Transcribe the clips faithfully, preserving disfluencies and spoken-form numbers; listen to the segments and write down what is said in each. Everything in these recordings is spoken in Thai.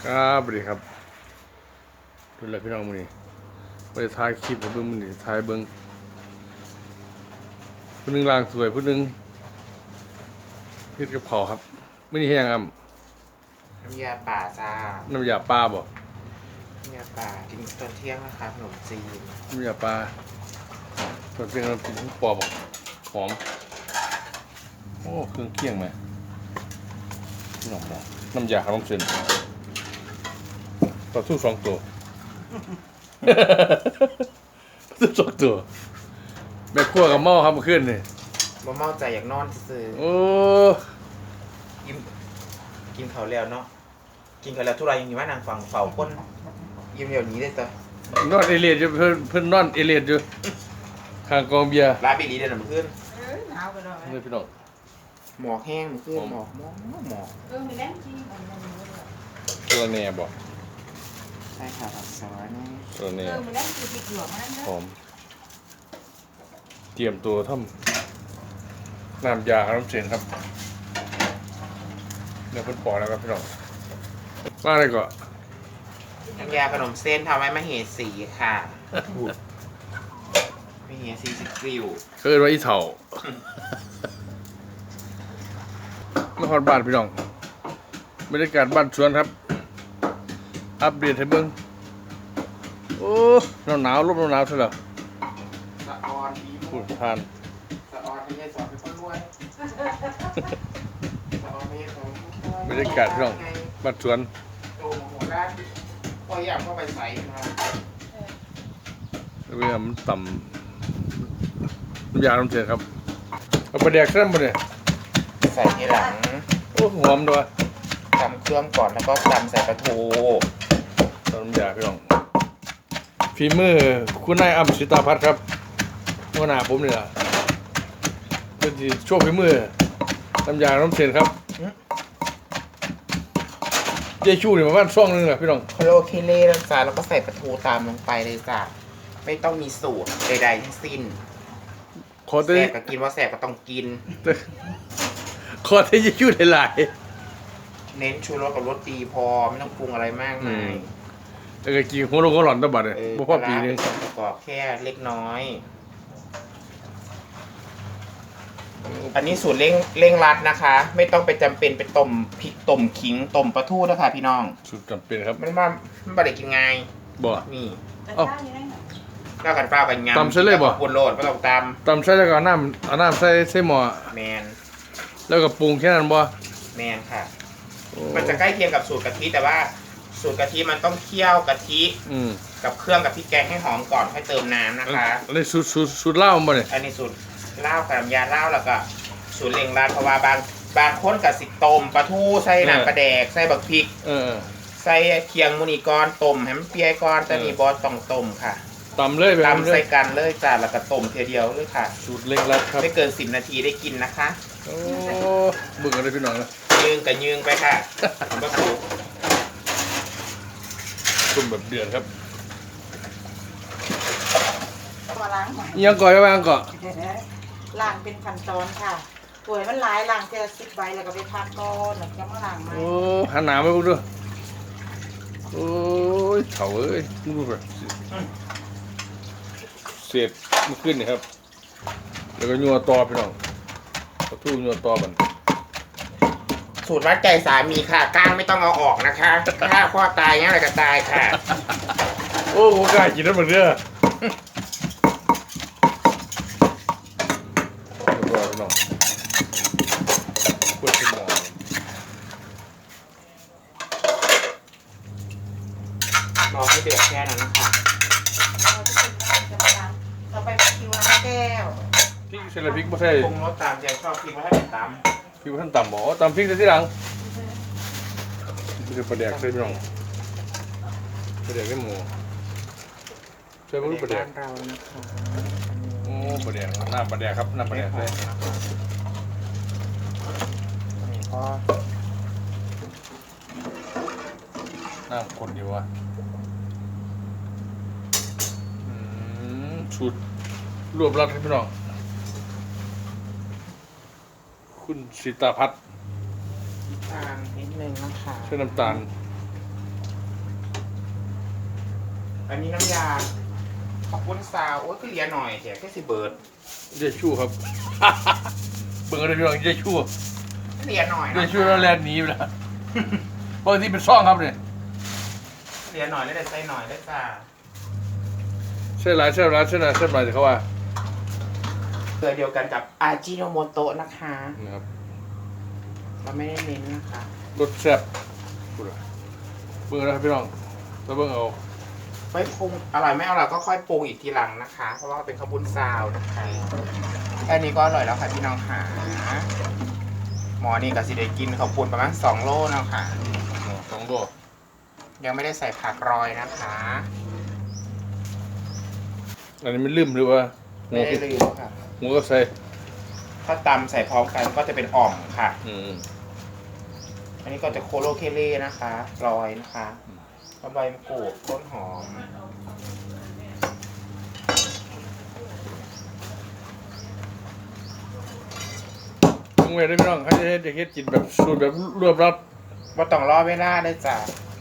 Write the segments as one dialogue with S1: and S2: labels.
S1: ครับสวัสดีครับดูแลพี่น้องมือนี้ไปถ่ายคลิปให้เบิ้งมือนี้ถ่ายเบิ้งผู้หนึงล่างสวยผู้หนึงเฮ็ดกับข้าวครับมื้อนี้เฮ็ดหยังอ่ะ
S2: น้ำยาป่าจ้า
S1: น้ำยาปลาบ่
S2: น้ำยาป่ากินตอนเที่ยงนะคะขนมจีน
S1: น้ำยาปลาตอนเที่ยงเรากินปอบ่หอมโอ้เครื่องเคียงไหมน้ำบ่น้ำยาขนมเส้นปลาทูสองตัว ปลาทูสองตัวแม่ครัวกับหม้อครับเมื่อคืนนี่
S2: บ่เมาใจอยากนอนซื้อ
S1: โอ้
S2: กินกินเขาวแล้วเนาะกินเขาวแล้วทุไรยังอยู่ว่านางฟังเฝ้าคนยิ้มเดี๋ยวนี้ได้จ้ะ
S1: นอนเอเลียดอยู่เพิ่นเพิ่นนอนเอเลียดอยู่ข้างกองเบียร์
S2: ลาบิลีเดินมาขึ้น
S3: เออหนาวไปเลย
S1: นี่พี่น้อง
S2: หมอกแห้งมาขึ้นหมอกหมอกหมอก
S3: เออมีแรงจริงอันนั้นเลย
S1: ตัวแหน่บ่
S2: ใช่ค่ะผักซอยนี่
S1: ตัวแห
S3: เอ
S1: น่
S3: อมีแรงจริงติดหยวกนั่น
S1: ห
S3: นะ
S1: อมเตรียมตัวทำน้ำยาขนมเส้นครับเดี๋ยวเพิ่นปอกแล้วครับพี่น้องมาเลยก่อน
S2: น้ำยาขนมเส้นทำไว้มะเหสีค่ะมะเหสีสิกริว
S1: เคยว่าอีเถ่ามาฮอดบ้านพี่น้องบรรยากาศบ้านสวนครับอัปเดตให้เบิ่งโอ้หนาวหนาวลมหนาวๆซะแล้ว
S2: สะออนดี
S1: พู
S2: มุ
S1: ด
S2: ก
S1: ทาน
S2: สะออนไม่ใช่สอนเป็นคนรวยสะออนไม่ใช่สอน
S1: บรรยากาศพี่น้องบ้านสวน
S2: โตมาหัวด้านพออยากเข้าไปใส่มา
S1: เรื่องมันต่ำน้ำยาขนมเส้นครับเอาไปแดกเส้นบ่เนี่ย
S2: ใส่ทีหลัง
S1: โอ้หอมด้วย
S2: ตำเครื่องก่อนแล้วก็ตำใส่ปลาทู
S1: ตอนน้ำยาพี่น้องฝีมือคุณนายอัมสิตาพัฒน์ครับหัวหน้าผมนี่ล่ะเพื่อนที่โชว์ฝีมือน้ำยาน้ำเส้นครับเยชูนี่ประมาณช่วงนึงแหละพี่น้อง
S2: โคโลเคเล่แล้วจ้าแล้วก็ใส่ปลาทูตามลงไปเลยจ้ะไม่ต้องมีสูตรใดๆทั้งสิ้น
S1: ขอ
S2: แส
S1: แต่
S2: บก็กินว่าแสบก็ต้องกิน
S1: ขอแต่เยชูหลาย
S2: เน้นชูรสกับรสดีพอไม่ต้องปรุงอะไรมากมาย
S1: ๆแล้วก็กินหัวโลงหัวหลอนตะบัดเลย
S2: เออ
S1: บ่พอปีนึง
S2: ปลาร้าเป็นส่วนประกอบแค่เล็กน้อย อันนี้สูตรเร่งเร่งรัดนะคะ ไม่ต้องไปจำเป็นไปต้มพริกต้มขิงต้มปลาทูนะคะพี่น้อง
S1: สุดจำเป็นครับ
S2: มันว่ามันบ่ได้กินง่าย
S1: บ่
S2: นี่
S3: แต่
S1: เอ้า
S3: ข้าวยังไงหน่อย
S2: ข้าวกันเปล่ากันยำ
S1: ตำเส้นเลยบ่
S2: ปนโรดไม่ต้องต
S1: ตำใส่แล้วก็เอาน้ำเอาน้ำใส่ใส่หม้อ
S2: ำแมน
S1: แล้วก็ปรุงแค่นั้นบ่
S2: แมนค่ะ
S1: โอ้
S2: มันจะใกล้เคียงกับสูตรกะทิแต่ว่าสูตรกะทิมันต้องเคี่ยวกะทิ
S1: อืม
S2: กับเครื่องกับพริกแกงให้หอมก่อนค่อยเติมน้ำนะคะ
S1: อันนี้สูตรสูตรสูตรเหล้าบ่เนี่ย
S2: อันนี้สูตรเหล้ากับน้ำยาเหล้าแล้วก็สูตรเล่งรัดเพราะว่าบางบางคนกับสิต้มปลาทูใส่น้ำปลาแดกใส่บักพริก
S1: เออ
S2: ใส่เคียงมูนีก้อนต้มให้มันเปียก้อนแต่นี่บอสต้องต้มค่ะ
S1: ตำเลยแบบนี้
S2: ตำ
S1: เล
S2: ใส่
S1: ย
S2: กันเลยจ้าแล้วก็ต้มเทียเดียวเลยค่ะ
S1: สูตรเล็กลัดครับ
S2: ไม่เกินสิบนาทีได้กินนะคะ
S1: โอ้เบิ่งกันเลยพี่น้องนะ
S2: ยืงกับยืงไปค่ะผมก็ถูก
S1: ต้มแบบเดือดครับ
S3: มาล้างหอย
S1: อิหยังก่อนไปบ้างก่อน
S3: ล้างเป็นขั้นตอนค่ะป่วยมันหลายล้างเจอสิบใบแล้วก็ไปพักก่อนแล้วก็มาล้างใหม่
S1: โอ้หันหน้าไปพวกดูโอ้ยเถาเอ้ยมึงดูก่อนเศษมันขึ้นนี่ครับแล้วก็ยัวตอพี่น้องกระทู้ยัวตอบัน
S2: สูตรวัดใจสามีค่ะก้างไม่ต้องเอาออกนะคะถ้าข้อตายงั้นอะไรก็ตายค่ะ
S1: โอ้โหกล้ากินแล้วมันเด้อเรียบร้อยพี่น้องกดขึ้นหม้อ
S2: รอให้เดือดแค่นั้นนะคะ
S3: เราจะเป็นล้างจะมาล้างต่อไปเป็นคิวน้ำแก้ว
S1: พริกใส่ละพริกไม่ใช่
S2: ปรุงรสตามใจชอบพริกไว้ให้เป็นต
S1: พริกท่านต่ำหมอตำพริกใส่ที่หลังนี่คือปลาแดกใส่พี่น้องปลาแดกได้หมูใช่
S2: ำ
S1: ปะลูกปลาแดก
S2: บ้านเรานะคะ
S1: โอ้ปลาแดกน้ำปลาแดกครับน้ำปลาแดก
S2: ไม่
S1: ใส่
S2: หอมนะคะอันนี้ก็
S1: น้ำคนอยู่วะอืมชุดรวบรัดให้พี่น้องคุณสิตาพัฒน์
S2: น้ำตาลนิดนึงนะคะ
S1: ใช้น้ำตาล
S2: อันนี้น้ำยาขอบคุณซาวโอ้ยก็เหลียหน่อยแจกแค่สิเบิร์ด
S1: เยชูครับ เบิ่งเลยพี่น้องเยชู
S2: เหลียหน่อย
S1: เย
S2: นะ
S1: ชูแล้วแลนหนีไปแล้วบางทีเป็นซ่องครับเนี่ย
S2: เหลียหน่อยแล้วได้ใส่หน่อยได้จ้า
S1: เส้นหลายเส้นหลายเส้นหลายเส้นหลายเขาว่า
S2: เกลือเดียวกันกับอาจิโนโมโตะนะคะ
S1: นะครับ
S2: เราไม่ได้เน้นนะคะ
S1: รสแซ่บพูดเลยเบิ่งนะครับพี่น้องแล้วเบิ่งเอา
S2: ไม่ปรุงอร่อยไม่อร่อยก็ค่อยปรุงอีกทีหลังนะคะ เพราะว่าเป็นข้าวปุ้นซาวนะคะแค่นี้ก็อร่อยแล้วค่ะพี่น้องค่ะหมอนี่กับสิเดกินข้าวปุ้นประมาณสองโลแล้วค่ะ
S1: สองตัว
S2: ยังไม่ได้ใส่ผักรอยนะคะ
S1: อันนี้มันลืมหรือว่าหั
S2: ไม่
S1: ว
S2: ได้ลืมค่ะ
S1: หัวก็ใส่
S2: ถ้าตำใส่พร้อมกันก็จะเป็นอ่อมค่ะ
S1: อืม
S2: อันนี้ก็จะโคโลเคเล่นะคะรอยนะคะใบมะกรูดต้นหอม
S1: ต้องเวทได้พี่น้องเขาจะให้เด็กเฮ็ดกินแบบสูตรแบบรวบรัด
S2: ว่าต้องรอเวลาได้จ้ะ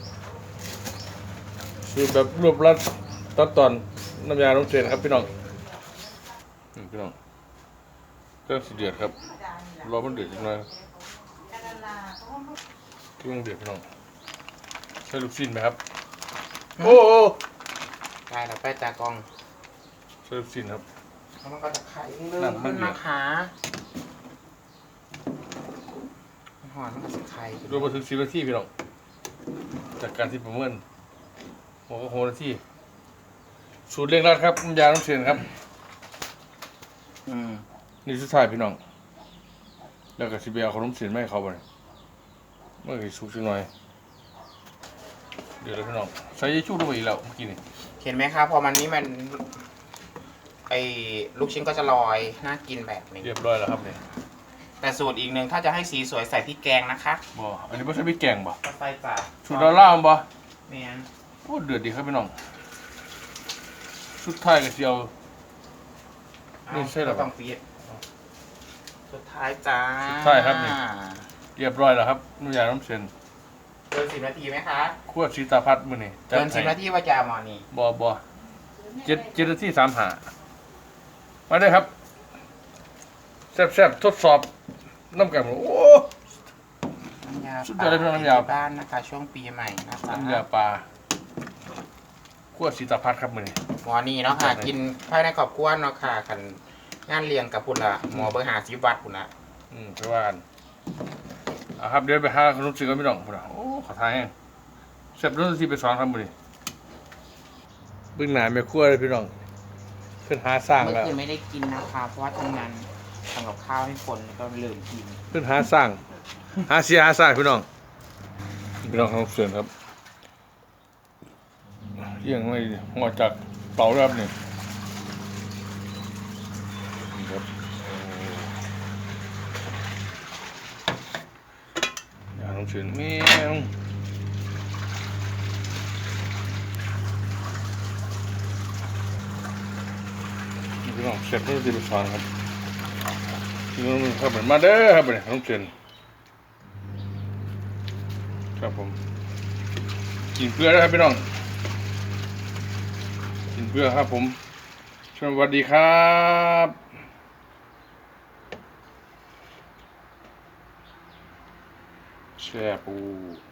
S1: สูตรแบบรวบรัดตอนตอนน้ำยาน้ำเส้นครับพี่น้องอืมพี่น้องเครื่องสีเดือดครับรอมันเดือดจังเลยเครื่องเดือดพี่น้องใช้ลูกชิ้นไหมครับโอ้โอ้
S2: ได้แล้วไปตากล้อง
S1: ใช้ลูกชิ้นครับ
S2: แล้วมันก็จะไข่เรื่
S1: นั่
S2: อน ง
S1: มั
S2: ขึ้
S1: น
S2: น
S1: เดือด
S2: นะคะหอนมันก็จะไข่
S1: รวมมาถึงสิบนาทีพี่น้องจากการที่ประเมินหัวก็หัวนาทีสูตรเร่งรัดครับน้ำยาน้ำเส้นครับ
S2: อืม
S1: นี่สุดท้ายพี่น้องแล้วก็สิเบียขนมเส้นไม่ให้เขาไปเมื่อกี้สุกสักหน่อยเดี๋ยวแล้วพี่น้องใส่ยชูลงไปอีกแล้วเมื่อกี้นี่
S2: เห็นไหมครับพอมันนี้มันไอ้ลูกชิ้นก็จะลอยน่ากินแบบนี้
S1: เรียบร้อยแล้วครับเนี่ย
S2: แต่สูตรอีกหนึ่งถ้าจะให้สีสวยใส่พริกแกงนะคะ
S1: บ่อันนี้ไม่ใช่พริกแกงบ่
S2: ก็ใส่จ้ะ
S1: สูตรดอลล่าร์บ่
S2: เมียน
S1: โอ้เดือดดีครับพี่น้องสุดท้ายก็สิเอา นี่ใช่เหรอ
S2: ก็ต้องฟีดสุดท้ายจ้า
S1: สุดท้ายครับนี่ เรียบร้อยแล้วครับน้ำยาน้ำเส้น
S2: เกินสิบนาทีไหมคะ
S1: คั่วชีตาพัดมื้อนี้จัด
S2: เกินสิบ
S1: ให้
S2: นาทีว่าจะเอาหมอนี่
S1: บ่บ่เจ็ดเจ็ดนาทีสามหามาเลยครับแซ่บๆทดสอบน้ำกันโอ้
S2: น้ำยา
S1: สุดยอดเลยพี่น้องน้ำยา
S2: ที่บ้านนะคะ ช่วงปีใหม่นะคะ
S1: น้ำยาปลาขั้วสีตาพัดครับมือนี้
S2: หมอนี่เนาะค่ะ กินภายในครอบครัวเนาะค่ะกันงานเลี้ยงกับพุ่นละหมอเบอร์หาสิบวัดพุ่นละ
S1: อืมไปว่ากันอ่ะครับเดี๋ยวไปหาขนมจีนกันพี่น้องพุ่นน่ะโอ้ขอทายแห้งแซ่บรุ่นที่ไปสอนครับมือนี้เบื้องหน้าแม่ครัวเลยพี่น้องเพิ่นหาสร้าง
S2: เมื่อ
S1: แล้ว
S2: คืนไม่ได้กินนะคะ เพราะว่าทำงานทำกับข้าวให้คนแล้วก็ลืมกิน
S1: เพิ่นหาสร้าง หาเสียหาสร้างพี่น้องพี่น้องของเสือนครับเยี่ยงไม่หัวจากเตาแล้วครับนี่นี่ครับอย่าลงเสือนแมวนี่พี่น้องเสร็จแล้วจะไปสอนครับพี่น้องครับเหมือนมาเด้อครับเนี่ยลงเสือนครับผมกินเพื่อนะครับพี่น้องกินเพื่อครับผมสวัสดีครับแช่ปู